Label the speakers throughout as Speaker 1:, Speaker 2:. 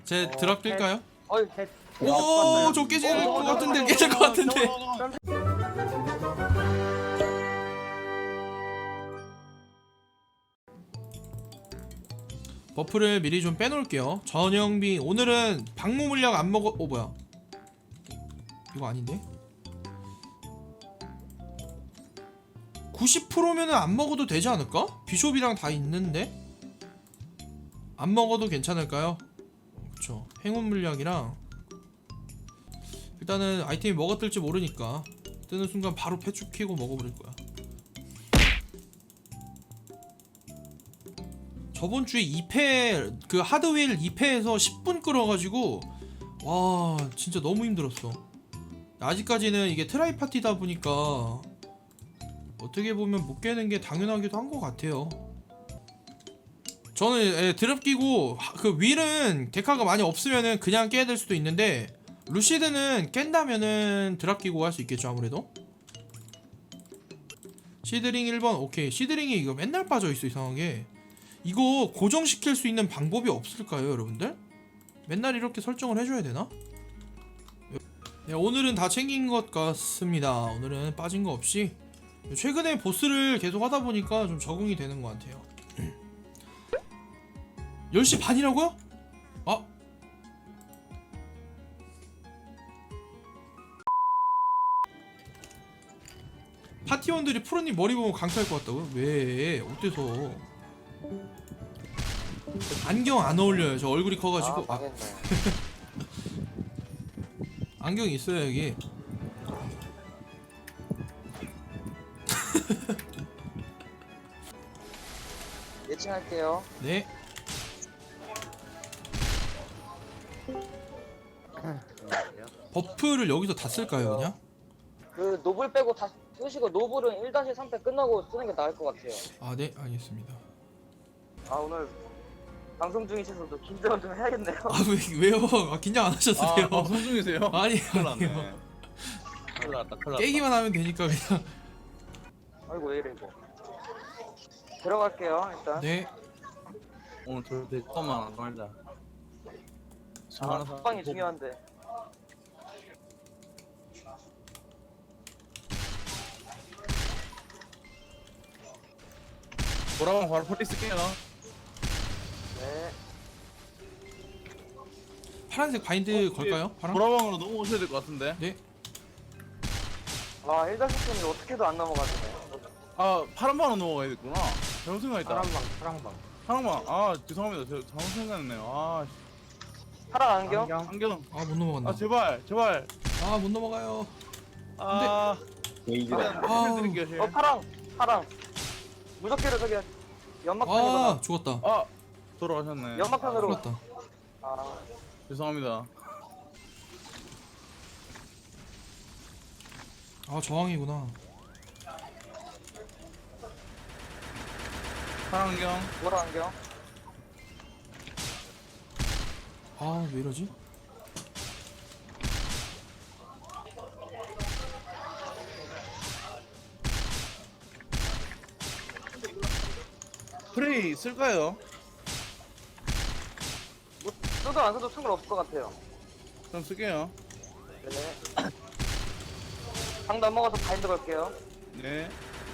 Speaker 1: 제 드랍 낄까요?
Speaker 2: 어이,
Speaker 1: 오, 저 깨질 것 같은데, 깨질 것 같은데. 버프를 미리 좀 빼놓을게요. 전영비 오늘은 방무 물약 안 먹어. 뭐야? 이거 아닌데? 90%면은 안 먹어도 되지 않을까? 비숍이랑 다 있는데 안 먹어도 괜찮을까요? 그쵸. 행운 물약이랑 일단은 아이템이 뭐가 뜰지 모르니까 뜨는 순간 바로 패축 키고 먹어버릴 거야. 저번 주에 2패 그 하드웨일 2패에서 10분 끌어가지고 와 진짜 너무 힘들었어. 아직까지는 이게 트라이 파티다 보니까 어떻게 보면 못 깨는 게 당연하기도 한 것 같아요. 저는 드랍 끼고 그 윌은 데카가 많이 없으면은 그냥 깨야 될 수도 있는데 루시드는 깬다면은 드랍 끼고 할 수 있겠죠 아무래도. 시드링 1번 오케이. 시드링이 이거 맨날 빠져있어 이상하게. 이거 고정시킬 수 있는 방법이 없을까요 여러분들? 맨날 이렇게 설정을 해줘야 되나? 네, 오늘은 다 챙긴 것 같습니다. 오늘은 빠진 거 없이 최근에 보스를 계속 하다 보니까 좀 적응이 되는 것 같아요. 10시 반이라고요? 아 파티원들이 프로님 머리 보면 강탈할 것 같다고요? 왜? 어때서? 안경 안 어울려요. 저 얼굴이 커가지고. 아, 안경 있어요 여기.
Speaker 2: 예측할게요.
Speaker 1: 네. 버프를 여기서 다 쓸까요 그냥?
Speaker 2: 그 노블 빼고 다 쓰시고 노블은 1-3패 끝나고 쓰는 게 나을 것 같아요.
Speaker 1: 아 네 알겠습니다.
Speaker 2: 아 오늘 방송 중이셔서도 긴장 좀 해야겠네요.
Speaker 1: 아 왜요? 아, 긴장 안 하셔도 돼요.
Speaker 3: 방송 중이세요?
Speaker 1: 아니
Speaker 3: 큰일 났네.
Speaker 1: 아니요.
Speaker 3: 큰일 났다, 큰일 났다.
Speaker 1: 깨기만 하면 되니까 그냥.
Speaker 2: 아이고 왜 이래 이거. 들어갈게요 일단.
Speaker 1: 네.
Speaker 3: 오늘 저 대처만 안 말자.
Speaker 2: 아 합방이 중요한데.
Speaker 3: 돌아가면 바로 폴리 쓸게요.
Speaker 2: 네.
Speaker 1: 파란색 바인드 걸까요? 파랑?
Speaker 3: 돌아방으로 넘어오셔야 될 것 같은데.
Speaker 1: 네.
Speaker 2: 아 1-3패는 어떻게도 안 넘어가지네.
Speaker 3: 아, 파란 방으로 넘어가야겠구나. 잘못 생각했다.
Speaker 2: 파랑방.
Speaker 3: 파랑방. 아, 죄송합니다. 제가 잘못 생각했네요. 아,
Speaker 2: 파랑 안경?
Speaker 3: 안경.
Speaker 1: 아 못 넘어간다.
Speaker 3: 아, 제발, 제발.
Speaker 1: 아 못 넘어가요.
Speaker 3: 아,
Speaker 2: 일단
Speaker 1: 아우.
Speaker 3: 드릴게요, 실.
Speaker 2: 파랑. 무적기로 저기 연막판이구나.
Speaker 1: 아 죽었다.
Speaker 3: 아, 돌아가셨네.
Speaker 2: 연막판으로.
Speaker 1: 죽었다.
Speaker 2: 아
Speaker 3: 죄송합니다.
Speaker 1: 아 저항이구나.
Speaker 3: 파란 안경.
Speaker 2: 노란 안경.
Speaker 1: 아 왜 이러지?
Speaker 3: 프레이 쓸까요?
Speaker 2: 뭐 써도 안 써도 상관없을 것 같아요.
Speaker 3: 그럼 쓸게요.
Speaker 2: 네. 방 넘어가서 바인드 걸게요.
Speaker 3: 네.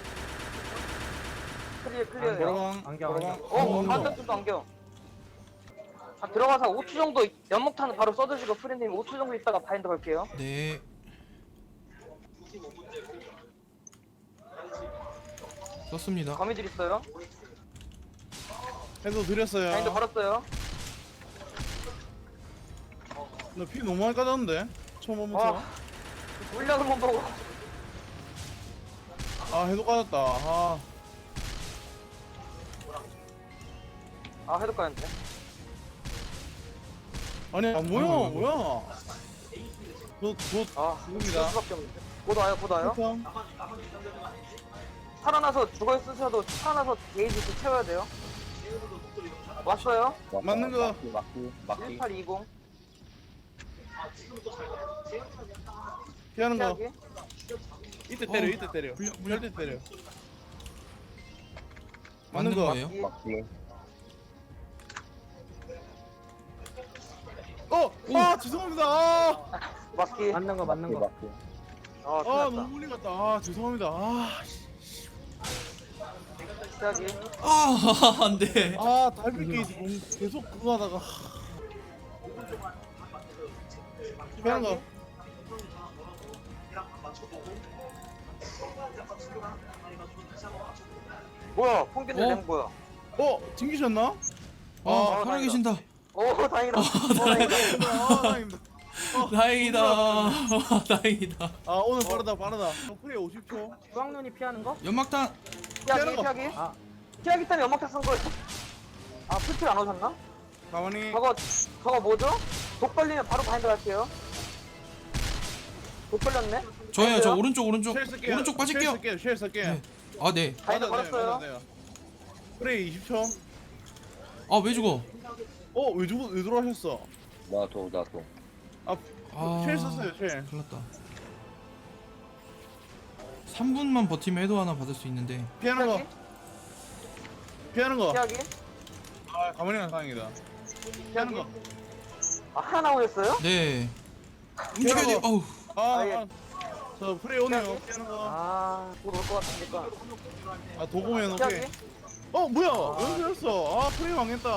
Speaker 2: 클리어요.
Speaker 3: 돌아방.
Speaker 4: 안경.
Speaker 2: 반대쪽도 안경. 아, 들어가서 5초 정도 연목탄은 바로 써주시고 프리님 5초 정도 있다가 바인드 걸게요.
Speaker 1: 네. 썼습니다.
Speaker 2: 거미줄 있어요.
Speaker 3: 해도 드렸어요.
Speaker 2: 바인드 걸었어요.
Speaker 3: 나 피 너무 많이 까졌는데? 처음 보면서.
Speaker 2: 아. 물량을 못 보고.
Speaker 3: 아, 해도 까졌다. 아,
Speaker 2: 아 해도 까였네.
Speaker 3: 아니, 안 보여.
Speaker 1: 아이고.
Speaker 3: 뭐야? 곧
Speaker 2: 아
Speaker 3: 죽습니다.
Speaker 2: 쓸 수밖에 없는데. 곧 와요.
Speaker 3: 형.
Speaker 2: 살아나서 죽어 쓰셔도 살아나서 게이지 또 채워야 돼요. 왔어요.
Speaker 3: 맞는 거.
Speaker 2: 1820
Speaker 3: 피하는 거.
Speaker 2: 피하기.
Speaker 3: 이때 때려,
Speaker 1: 어.
Speaker 3: 이때 때려.
Speaker 1: 물려.
Speaker 3: 이때 때려.
Speaker 1: 맞는
Speaker 3: 거.
Speaker 1: 거예요?
Speaker 3: 아 죄송합니다.
Speaker 2: 맞기.
Speaker 4: 맞는 거 맞는 거.
Speaker 2: 어,
Speaker 3: 아
Speaker 2: 끝났다.
Speaker 3: 너무 멀리 갔다. 아 죄송합니다.
Speaker 2: 시작이.
Speaker 1: 아 안돼.
Speaker 3: 아 달빛 게이트 계속 그거 하다가 피하는 거.
Speaker 2: 뭐야? 퐁빈들
Speaker 1: 어?
Speaker 2: 랭 뭐야?
Speaker 3: 튕기셨나?
Speaker 1: 아 살아계신다.
Speaker 2: 오, 다행이다. 다행이다.
Speaker 3: 아 다행입니다.
Speaker 1: 다행이다. 다행이다.
Speaker 3: 아 오늘 빠르다. 프레이 50초.
Speaker 4: 수학눈이 피하는 거?
Speaker 1: 연막탄.
Speaker 2: 피하기,
Speaker 3: 거.
Speaker 2: 피하기.
Speaker 4: 아.
Speaker 2: 피하기 때문에 연막탄 쓴 거예요. 아, 풀킬 안 오셨나?
Speaker 3: 가만히.
Speaker 2: 저거 뭐죠? 독 걸리면 바로 바인드 갈게요. 독 걸렸네?
Speaker 1: 저예요. 저
Speaker 2: 바인드요?
Speaker 1: 오른쪽
Speaker 3: 쉘 쓸게요.
Speaker 1: 오른쪽 빠질게요.
Speaker 3: 쉘 쓸게요.
Speaker 1: 네. 아 네.
Speaker 2: 바인드 걸었어요.
Speaker 3: 프레이 20초.
Speaker 1: 아 왜 죽어?
Speaker 3: 왜 들어가셨어?
Speaker 5: 나도
Speaker 1: 아.
Speaker 3: 쉘 썼어요. 쉘.
Speaker 1: 큰일났다. 3분만 버티면 해도 하나 받을 수 있는데.
Speaker 3: 피하는 거. 피하는 거.
Speaker 2: 피하기.
Speaker 3: 아 가만히 간 상황이다. 피하는 거.
Speaker 2: 아, 하나 나오셨어요?
Speaker 1: 네. 움직여야 돼. 어우.
Speaker 3: 저 프레이 오네요. 피하는 거.
Speaker 4: 아,
Speaker 2: 곧 올 것 같으니까.
Speaker 3: 도구면
Speaker 2: 피하기.
Speaker 3: 오케이. 뭐야? 왜 그랬어? 아 프레이 망했다.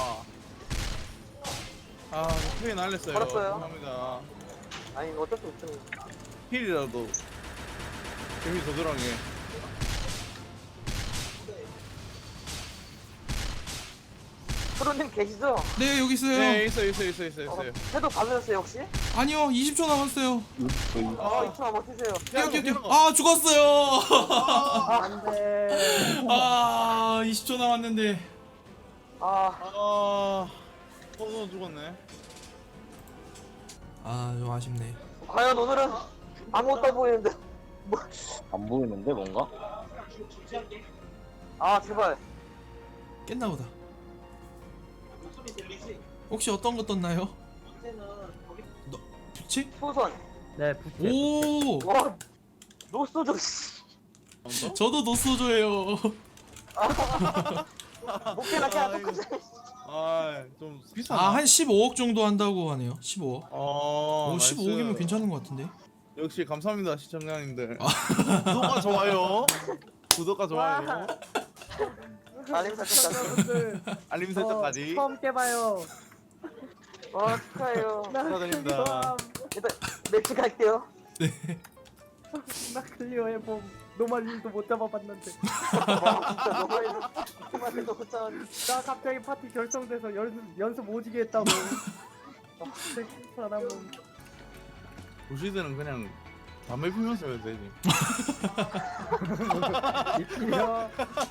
Speaker 3: 아 프레이 날렸어요.
Speaker 2: 걸었어요.
Speaker 3: 죄송합니다.
Speaker 2: 아니, 어쩔 수 없죠.
Speaker 3: 힐이라도 재미 더 들어가게.
Speaker 2: 프로님 계시죠?
Speaker 1: 네 여기 있어요.
Speaker 3: 네 있어요.
Speaker 2: 해도 받으셨어요, 혹시?
Speaker 1: 아니요 20초 남았어요.
Speaker 2: 아, 2초만 버티세요.
Speaker 1: 뛰어. 아 죽었어요.
Speaker 4: 안 돼.
Speaker 1: 아 20초 남았는데.
Speaker 2: 아,
Speaker 3: 너 죽었네.
Speaker 1: 아 좀 아쉽네.
Speaker 2: 과연 오늘은 아무것도 안 보이는데. 뭐.
Speaker 5: 안 보이는데 뭔가?
Speaker 2: 아, 제발.
Speaker 1: 깼나 보다. 혹시 어떤 거 떴나요? 너 부채?
Speaker 2: 소선.
Speaker 4: 네, 부채.
Speaker 1: 오.
Speaker 2: 와, 노소저, 씨.
Speaker 1: 저도 노소조예요.
Speaker 2: 목표나 그냥 똑같이.
Speaker 3: 아좀 비싸나?
Speaker 1: 아 한 15억 정도 한다고 하네요. 15억.
Speaker 3: 어,
Speaker 1: 15억이면 괜찮은 것 같은데.
Speaker 3: 역시 감사합니다 시청자님들.
Speaker 1: 아.
Speaker 3: 구독과 좋아요. 구독과 좋아요.
Speaker 2: 알림 설정까지.
Speaker 4: 여러분들,
Speaker 3: 알림 설정까지.
Speaker 4: 처음 깨봐요.
Speaker 2: 와, 축하해요.
Speaker 3: 축하드립니다.
Speaker 2: 일단 매치 갈게요.
Speaker 4: 나 클리어 해봄. 노말님도 못 잡아봤는데.
Speaker 2: 와, 진짜 너무 못 잡았네.
Speaker 4: 나 갑자기 파티 결성돼서 연습 오지게 했다고. 사람은
Speaker 3: 도시들은 그냥 담배 피면서 해도 되지.
Speaker 4: 입히려.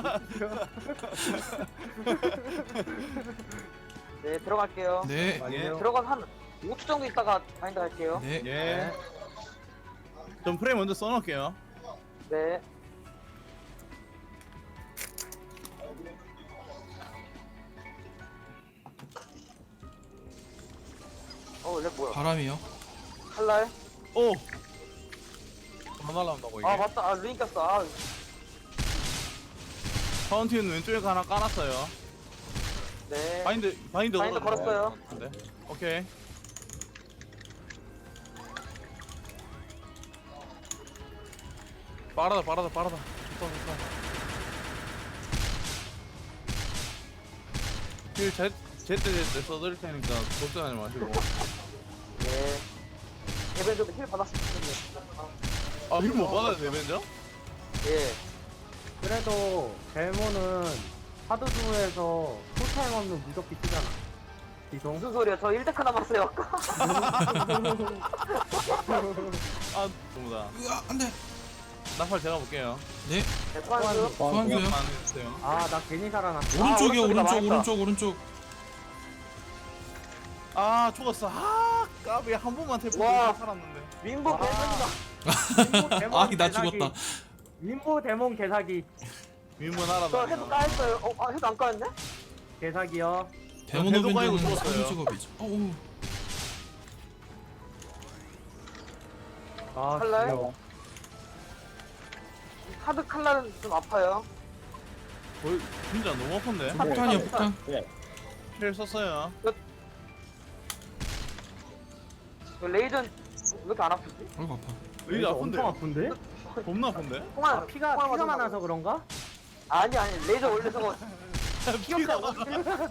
Speaker 2: 네, 들어갈게요.
Speaker 1: 네.
Speaker 3: 예.
Speaker 2: 들어가서 한 5초 정도 있다가 바인드 갈게요.
Speaker 1: 네.
Speaker 3: 예. 전 프레임 먼저 써놓을게요.
Speaker 2: 네. 렉 뭐야?
Speaker 1: 바람이요.
Speaker 2: 칼날?
Speaker 3: 오. 하나 날라온다고 이게.
Speaker 2: 아, 맞다. 아, 루인 꼈어. 아,
Speaker 3: 파운틴 왼쪽에 하나 깔았어요.
Speaker 2: 네.
Speaker 3: 바인드
Speaker 2: 걸었어요.
Speaker 3: 네. 오케이. 빠르다. 좋다. 힐 제때 써드릴 테니까 걱정하지 마시고.
Speaker 2: 네. 대변조도 힐 받았으면 좋겠네.
Speaker 3: 힐 못 받아요 데벤저?
Speaker 2: 예.
Speaker 4: 그래도 벨모는 하드두에서 풀타임 없는 무적기 쓰잖아. 기동.
Speaker 2: 무슨 소리야? 저 1데카 남았어요. 아까.
Speaker 3: 아 너무다.
Speaker 1: 으아 안돼.
Speaker 3: 나팔 제가 볼게요.
Speaker 1: 네.
Speaker 2: 네, 소환수.
Speaker 1: 소환수요.
Speaker 3: 많이 해주세요.
Speaker 4: 아, 나 괜히 살아났어.
Speaker 1: 오른쪽이요.
Speaker 2: 오른쪽이다,
Speaker 1: 오른쪽.
Speaker 3: 아 죽었어. 아 까비 한 번만 태포
Speaker 2: 와.
Speaker 3: 살았는데.
Speaker 2: 민보
Speaker 4: 와.
Speaker 2: 개선이다.
Speaker 1: 아 나 죽었다.
Speaker 4: 민보 데몬 개사기.
Speaker 3: 민문
Speaker 2: 저
Speaker 3: 알아다.
Speaker 2: 해도 까였어요. 해도 안 까였네?
Speaker 4: 개사기요.
Speaker 1: 데모노벤드는
Speaker 3: 깔고
Speaker 1: 사기
Speaker 3: 죽었어요.
Speaker 1: 직업이죠. 어우.
Speaker 4: 아,
Speaker 2: 칼날?
Speaker 4: 귀여워.
Speaker 2: 카드 칼날은 좀 아파요.
Speaker 3: 거의 진짜 너무 아픈데.
Speaker 1: 폭탄이요 폭탄.
Speaker 3: 힐 썼어요.
Speaker 2: 레이전 왜 이렇게 안 아프지?
Speaker 1: 아이고 아파.
Speaker 3: 여기 아픈데?
Speaker 4: 엄청 아픈데?
Speaker 3: 겁나 아픈데?
Speaker 2: 통화
Speaker 4: 아, 피가 많아서 그런가?
Speaker 2: 아니 레이저 원래 저거
Speaker 3: 피가 많아서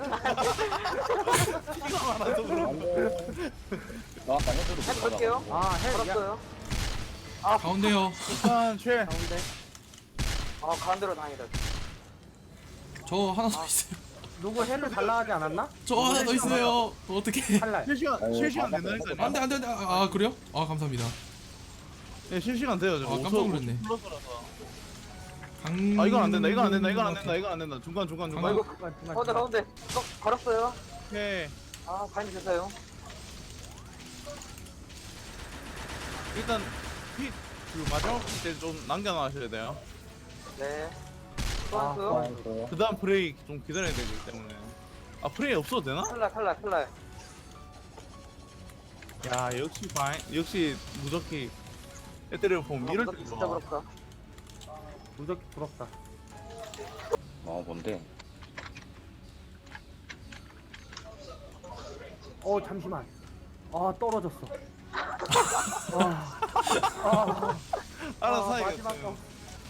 Speaker 5: 나 아까 해줘도
Speaker 2: 해 볼게요.
Speaker 4: 아, 야,
Speaker 2: 걸었어요.
Speaker 1: 가운데요.
Speaker 3: 일단 최
Speaker 4: 가운데.
Speaker 2: 가운데로 다행이다.
Speaker 1: 저 하나 더 있어요.
Speaker 4: 누구 헬을 달라 하지 않았나?
Speaker 1: 저 하나 더 있어요. 어떻게?
Speaker 4: 탈날.
Speaker 3: 실시간 된다니까요.
Speaker 1: 안돼. 아 그래요? 아 감사합니다.
Speaker 3: 네, 실시간 돼요. 저거.
Speaker 1: 아, 깜짝 놀랐네.
Speaker 3: 플러스라서.
Speaker 1: 강.
Speaker 3: 아, 이건 안 된다. 이건 안 된다. 중간.
Speaker 2: 아이고
Speaker 1: 아,
Speaker 2: 가운데 걸었어요.
Speaker 3: 오케이.
Speaker 2: 바인드 됐어요.
Speaker 3: 일단 그 마지막 때 좀 남겨놔셔야 돼요.
Speaker 2: 네.
Speaker 4: 아,
Speaker 2: 소환수.
Speaker 3: 그 다음 프레이 좀 기다려야 되기 때문에. 아, 프레이 없어도 되나?
Speaker 2: 탈락.
Speaker 3: 야, 역시 무적기 애들을 보면 이럴 때
Speaker 2: 진짜
Speaker 3: 좋아.
Speaker 2: 부럽다.
Speaker 4: 무적기 부럽다.
Speaker 5: 뭔데?
Speaker 4: 잠시만. 떨어졌어.
Speaker 3: 알아서
Speaker 4: 마지막
Speaker 3: 하겠어요.
Speaker 4: 거.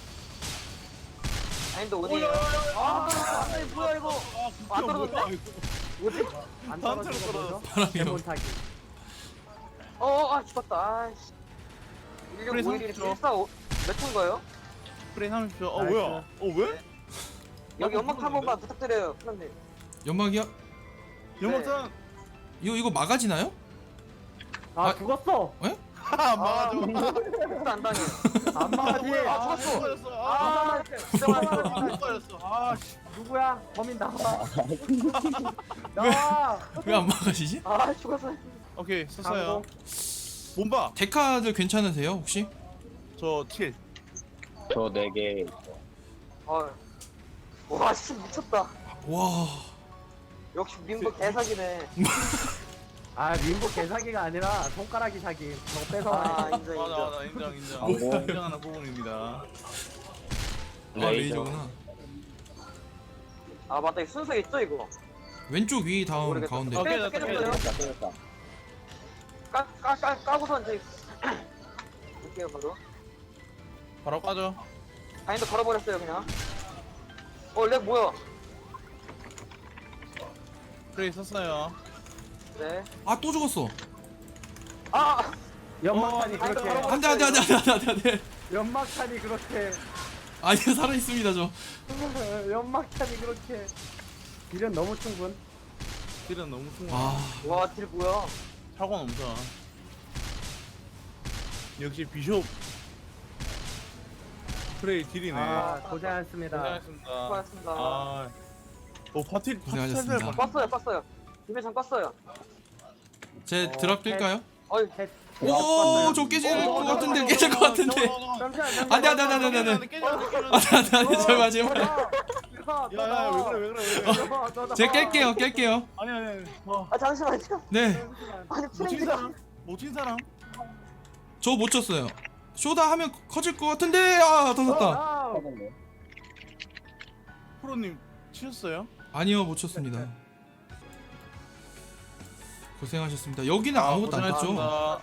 Speaker 2: 바인드 온이에요. 뭐야 이거? 안 떨어졌네? 뭐지?
Speaker 4: 안
Speaker 3: 다음
Speaker 4: 떨어진
Speaker 3: 차로
Speaker 4: 거 뭐죠?
Speaker 1: 바람이요.
Speaker 4: 대본 타기.
Speaker 2: 죽었다. 아이씨.
Speaker 3: 프레이
Speaker 2: 1651이
Speaker 3: 30초.
Speaker 2: 145. 몇 초인가요?
Speaker 3: 프레이 30초.
Speaker 4: 나이스.
Speaker 3: 뭐야? 왜?
Speaker 2: 여기 연막 한 번만 부탁드려요, 프로님.
Speaker 1: 연막이요?
Speaker 3: 영업장
Speaker 1: 이거 막아지나요? 아.
Speaker 4: 죽었어.
Speaker 3: 안 맞아.
Speaker 2: 진짜 안 당해.
Speaker 4: 안 막아지.
Speaker 3: 죽었어.
Speaker 2: 진짜
Speaker 3: 안 걸렸어. 아, 씨.
Speaker 4: 누구야? 범인 나와. 나와.
Speaker 1: 왜 안 막아지지?
Speaker 2: 죽었어.
Speaker 3: 오케이, 썼어요.
Speaker 4: 강공.
Speaker 3: 몸바.
Speaker 1: 데카들 괜찮으세요 혹시?
Speaker 3: 저 7.
Speaker 5: 저 4개.
Speaker 2: 와, 씨 미쳤다.
Speaker 1: 와.
Speaker 2: 역시 민보 개사기네.
Speaker 4: 민복 개사기가 아니라 손가락이 사기. 저거 뺏어가네.
Speaker 2: 인정.
Speaker 3: 맞아, 인정. 인정하는 부분입니다.
Speaker 1: 레이저구나.
Speaker 2: 맞다, 이 순서 있죠 이거.
Speaker 1: 왼쪽 위 다음
Speaker 2: 모르겠다.
Speaker 1: 가운데.
Speaker 3: 오케이.
Speaker 2: 깨졌어요.
Speaker 5: 깨졌다.
Speaker 2: 까고선 이제 볼게요 바로.
Speaker 3: 바로 까죠.
Speaker 2: 바인드 걸어버렸어요 그냥. 렉 뭐야?
Speaker 3: 프레이 썼어요.
Speaker 2: 네.
Speaker 1: 또 죽었어.
Speaker 4: 연막탄이 그렇게.
Speaker 1: 안돼.
Speaker 4: 연막탄이 그렇게.
Speaker 1: 아니요 살아 있습니다 저.
Speaker 4: 연막탄이 그렇게. 딜은 너무 충분.
Speaker 3: 딜은 너무 충분해.
Speaker 2: 와, 딜 뭐야?
Speaker 3: 사고 넘쳐. 역시 비숍 프레이 딜이네.
Speaker 4: 고생하셨습니다.
Speaker 3: 고생하셨습니다.
Speaker 2: 수고하셨습니다.
Speaker 3: 파티
Speaker 1: 고생하셨습니다.
Speaker 2: 껐어요. 김혜찬 껐어요.
Speaker 1: 제 드랍 뛸까요? 오저 깨질 것 같은데 깨질 것 같은데.
Speaker 4: 잠시만.
Speaker 1: 안돼. 제발.
Speaker 3: 야야 왜 그래?
Speaker 1: 제가 깰게요.
Speaker 3: 아니.
Speaker 2: 잠시만요.
Speaker 1: 네.
Speaker 2: 아니,
Speaker 3: 못친
Speaker 2: 프렌즈가.
Speaker 3: 사람? 못친 사람?
Speaker 1: 저 못 쳤어요. 쇼다 하면 커질 것 같은데 터졌다.
Speaker 3: 프로님 치셨어요?
Speaker 1: 아니요 못 쳤습니다. 고생하셨습니다. 여기는 아무것도 안 됐죠?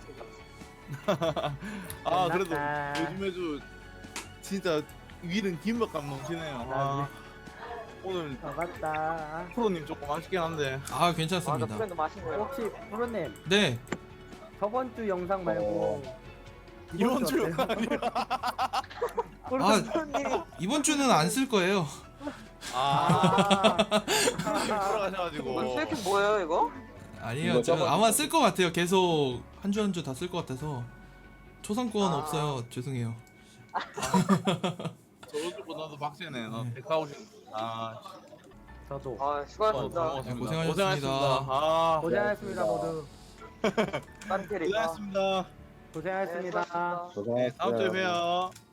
Speaker 3: 그래도 요즘에도 진짜 위는 김밥 감 넘치네요. 오늘
Speaker 4: 맞다.
Speaker 3: 프로님 조금 아쉽긴 한데.
Speaker 2: 맞아,
Speaker 1: 괜찮습니다.
Speaker 2: 프렌드 마신 거예요.
Speaker 4: 혹시 프로님
Speaker 1: 네.
Speaker 4: 저번 주 영상 말고
Speaker 3: 이번 주
Speaker 4: 어때요?
Speaker 2: 프로님.
Speaker 1: 이번 주는 안 쓸 거예요.
Speaker 3: 프로님 돌아가셔가지고.
Speaker 2: 스웨킹 뭐예요 이거?
Speaker 1: 아니요
Speaker 5: 이거
Speaker 1: 제가
Speaker 5: 저번
Speaker 1: 아마 쓸 것 같아요. 계속 한 주 한 주 다 쓸 것 같아서 초상권 없어요. 죄송해요.
Speaker 3: 저번주보다도 박세네. 너 백화오신.
Speaker 4: 저도
Speaker 2: 수고하셨습니다.
Speaker 1: 네, 고생하셨습니다.
Speaker 4: 고생하셨습니다 모두.
Speaker 2: 딴 캐릭.
Speaker 3: 고생하셨습니다.
Speaker 4: 고생하셨습니다.
Speaker 5: 고생했어요.
Speaker 3: 다음 주에 봬요.